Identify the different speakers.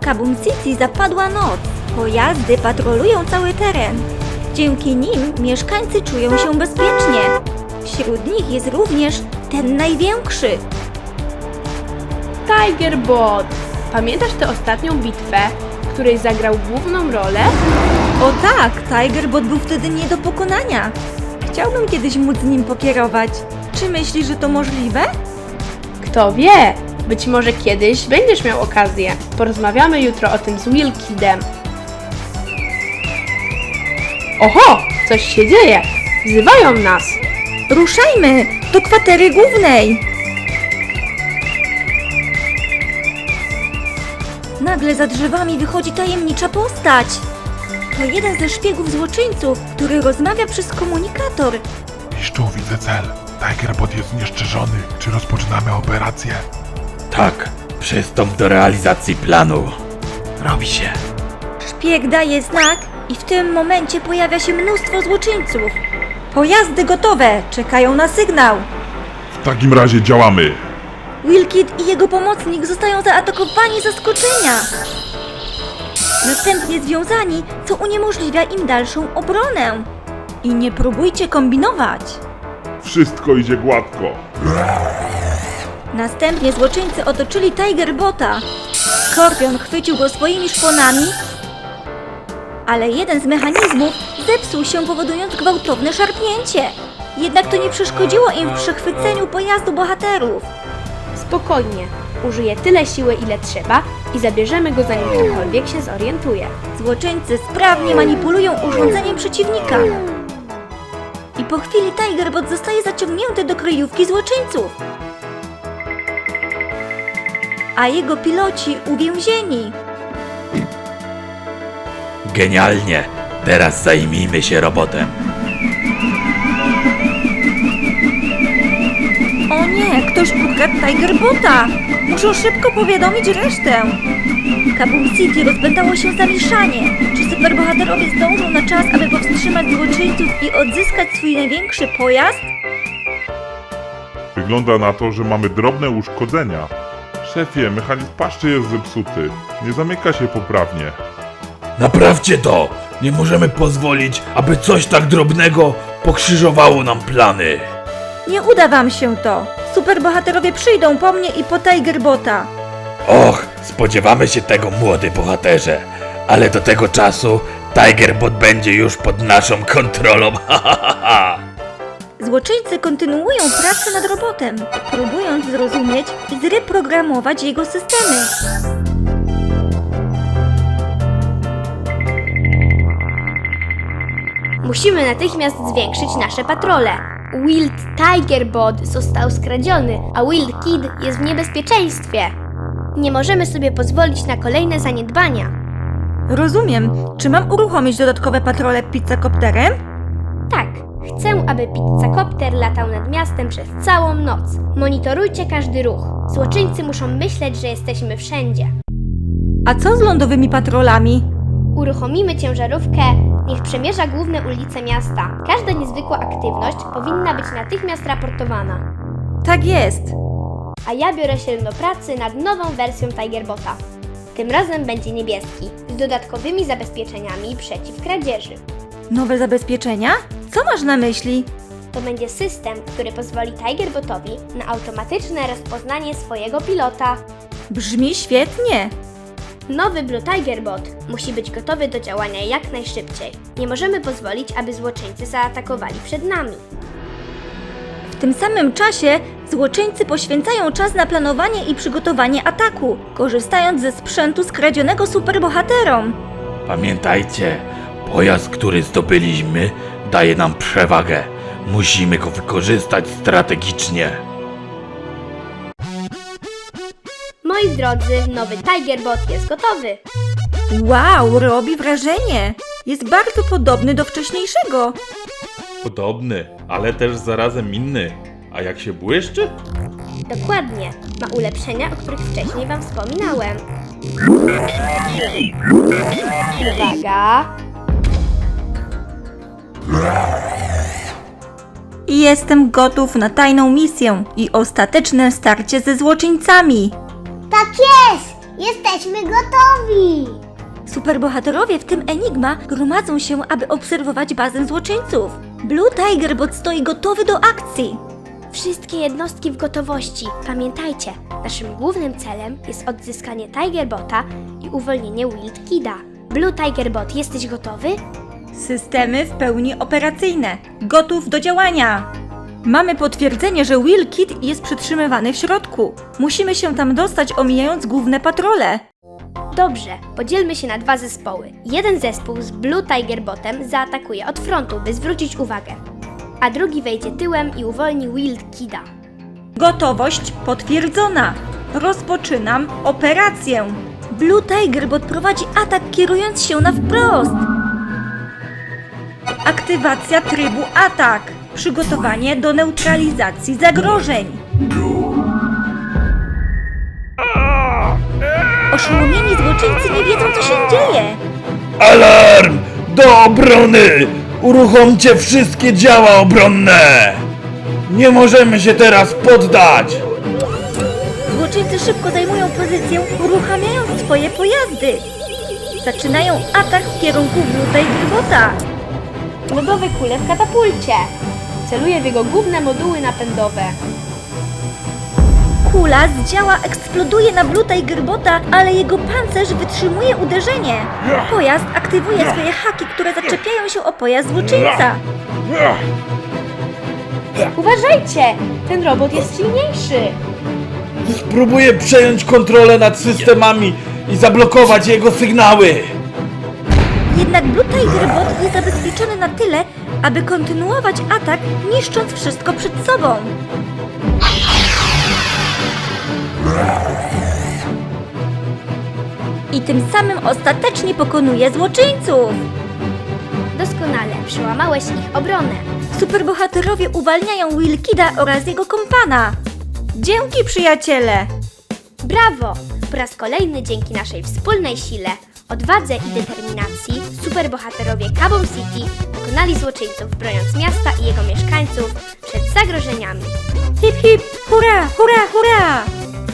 Speaker 1: Kaboom City zapadła noc. Pojazdy patrolują cały teren. Dzięki nim mieszkańcy czują się bezpiecznie. Wśród nich jest również ten największy.
Speaker 2: Tigerbot! Pamiętasz tę ostatnią bitwę, w której zagrał główną rolę?
Speaker 1: O tak, Tigerbot był wtedy nie do pokonania. Chciałbym kiedyś móc nim pokierować. Czy myślisz, że to możliwe?
Speaker 2: Kto wie? Być może kiedyś będziesz miał okazję. Porozmawiamy jutro o tym z Wilkidem. Oho! Coś się dzieje! Wzywają nas!
Speaker 1: Ruszajmy! Do kwatery głównej! Nagle za drzewami wychodzi tajemnicza postać. To jeden ze szpiegów złoczyńców, który rozmawia przez komunikator.
Speaker 3: Mistrzu, widzę cel. Tigerbot jest znieszczerzony. Czy rozpoczynamy operację?
Speaker 4: Tak, przystąp do realizacji planu. Robi się.
Speaker 1: Szpieg daje znak i w tym momencie pojawia się mnóstwo złoczyńców. Pojazdy gotowe, czekają na sygnał.
Speaker 3: W takim razie działamy.
Speaker 1: Wilkid i jego pomocnik zostają zaatakowani z zaskoczenia. Następnie związani, co uniemożliwia im dalszą obronę. I nie próbujcie kombinować.
Speaker 3: Wszystko idzie gładko.
Speaker 1: Następnie złoczyńcy otoczyli Tigerbota. Skorpion chwycił go swoimi szponami, ale jeden z mechanizmów zepsuł się, powodując gwałtowne szarpnięcie. Jednak to nie przeszkodziło im w przechwyceniu pojazdu bohaterów.
Speaker 2: Spokojnie. Użyję tyle siły, ile trzeba i zabierzemy go, zanim ktokolwiek się zorientuje.
Speaker 1: Złoczyńcy sprawnie manipulują urządzeniem przeciwnika. I po chwili Tigerbot zostaje zaciągnięty do kryjówki złoczyńców. A jego piloci uwięzieni.
Speaker 4: Genialnie. Teraz zajmijmy się robotem.
Speaker 1: O nie, ktoś ukradł Tigerbota! Muszą szybko powiadomić resztę. W Kaboom City rozpętało się zamieszanie. Czy superbohaterowie zdążą na czas, aby powstrzymać złoczyńców i odzyskać swój największy pojazd?
Speaker 3: Wygląda na to, że mamy drobne uszkodzenia. Szefie, mechanizm paszczy jest zepsuty. Nie zamyka się poprawnie.
Speaker 4: Naprawcie to! Nie możemy pozwolić, aby coś tak drobnego pokrzyżowało nam plany.
Speaker 1: Nie uda wam się to. Superbohaterowie przyjdą po mnie i po Tigerbota.
Speaker 4: Och, spodziewamy się tego, młody bohaterze. Ale do tego czasu Tigerbot będzie już pod naszą kontrolą. Ha, ha, ha, ha.
Speaker 1: Złoczyńcy kontynuują pracę nad robotem, próbując zrozumieć i zreprogramować jego systemy.
Speaker 5: Musimy natychmiast zwiększyć nasze patrole. Wild Tigerbot został skradziony, a Wild Kid jest w niebezpieczeństwie. Nie możemy sobie pozwolić na kolejne zaniedbania.
Speaker 1: Rozumiem. Czy mam uruchomić dodatkowe patrole pizzakopterem?
Speaker 5: Tak, chcę, aby pizzakopter latał nad miastem przez całą noc. Monitorujcie każdy ruch. Złoczyńcy muszą myśleć, że jesteśmy wszędzie.
Speaker 1: A co z lądowymi patrolami?
Speaker 5: Uruchomimy ciężarówkę, niech przemierza główne ulice miasta. Każda niezwykła aktywność powinna być natychmiast raportowana.
Speaker 1: Tak jest.
Speaker 5: A ja biorę się do pracy nad nową wersją Tigerbota. Tym razem będzie niebieski, z dodatkowymi zabezpieczeniami przeciw kradzieży.
Speaker 1: Nowe zabezpieczenia? Co masz na myśli?
Speaker 5: To będzie system, który pozwoli Tigerbotowi na automatyczne rozpoznanie swojego pilota.
Speaker 1: Brzmi świetnie.
Speaker 5: Nowy Blue Tigerbot musi być gotowy do działania jak najszybciej. Nie możemy pozwolić, aby złoczyńcy zaatakowali przed nami.
Speaker 1: W tym samym czasie złoczyńcy poświęcają czas na planowanie i przygotowanie ataku, korzystając ze sprzętu skradzionego superbohaterom.
Speaker 4: Pamiętajcie, pojazd, który zdobyliśmy, daje nam przewagę. Musimy go wykorzystać strategicznie.
Speaker 5: Moi drodzy, nowy Tigerbot jest gotowy.
Speaker 1: Wow, robi wrażenie. Jest bardzo podobny do wcześniejszego.
Speaker 6: Podobny, ale też zarazem inny. A jak się błyszczy?
Speaker 5: Dokładnie, ma ulepszenia, o których wcześniej Wam wspominałem. Uwaga!
Speaker 1: Jestem gotów na tajną misję i ostateczne starcie ze złoczyńcami.
Speaker 7: Tak jest! Jesteśmy gotowi!
Speaker 1: Superbohaterowie, w tym Enigma, gromadzą się, aby obserwować bazę złoczyńców. Blue Tigerbot stoi gotowy do akcji.
Speaker 5: Wszystkie jednostki w gotowości. Pamiętajcie, naszym głównym celem jest odzyskanie Tigerbota i uwolnienie Wild Kida. Blue Tigerbot, jesteś gotowy?
Speaker 1: Systemy w pełni operacyjne. Gotów do działania. Mamy potwierdzenie, że Will Kid jest przytrzymywany w środku. Musimy się tam dostać, omijając główne patrole.
Speaker 5: Dobrze, podzielmy się na 2 zespoły. Jeden zespół z Blue Tigerbotem zaatakuje od frontu, by zwrócić uwagę, a drugi wejdzie tyłem i uwolni Wild Kida.
Speaker 1: Gotowość potwierdzona. Rozpoczynam operację. Blue Tigerbot prowadzi atak, kierując się na wprost. Aktywacja trybu atak. Przygotowanie do neutralizacji zagrożeń. Oszołomieni złoczyńcy nie wiedzą, co się dzieje.
Speaker 4: Alarm! Do obrony! Uruchomcie wszystkie działa obronne! Nie możemy się teraz poddać!
Speaker 1: Złoczyńcy szybko zajmują pozycję, uruchamiając swoje pojazdy. Zaczynają atak w kierunku Blue Tigerbota.
Speaker 2: Lodowe kule w katapulcie. Celuje w jego główne moduły napędowe.
Speaker 1: Kula z działa eksploduje na Blue Tigerbota, ale jego pancerz wytrzymuje uderzenie. Pojazd aktywuje swoje haki, które zaczepiają się o pojazd złoczyńca.
Speaker 2: Uważajcie! Ten robot jest silniejszy.
Speaker 4: Spróbuję przejąć kontrolę nad systemami i zablokować jego sygnały!
Speaker 1: Jednak Blue Tigerbot jest zabezpieczony na tyle, aby kontynuować atak, niszcząc wszystko przed sobą. I tym samym ostatecznie pokonuje złoczyńców.
Speaker 5: Doskonale, przełamałeś ich obronę.
Speaker 1: Superbohaterowie uwalniają Will Kida oraz jego kompana. Dzięki, przyjaciele!
Speaker 5: Brawo! Po raz kolejny dzięki naszej wspólnej sile, odwadze i determinacji superbohaterowie Carbon City pokonali złoczyńców, broniąc miasta i jego mieszkańców przed zagrożeniami.
Speaker 1: Hip hip, hurra, hurra, hurra!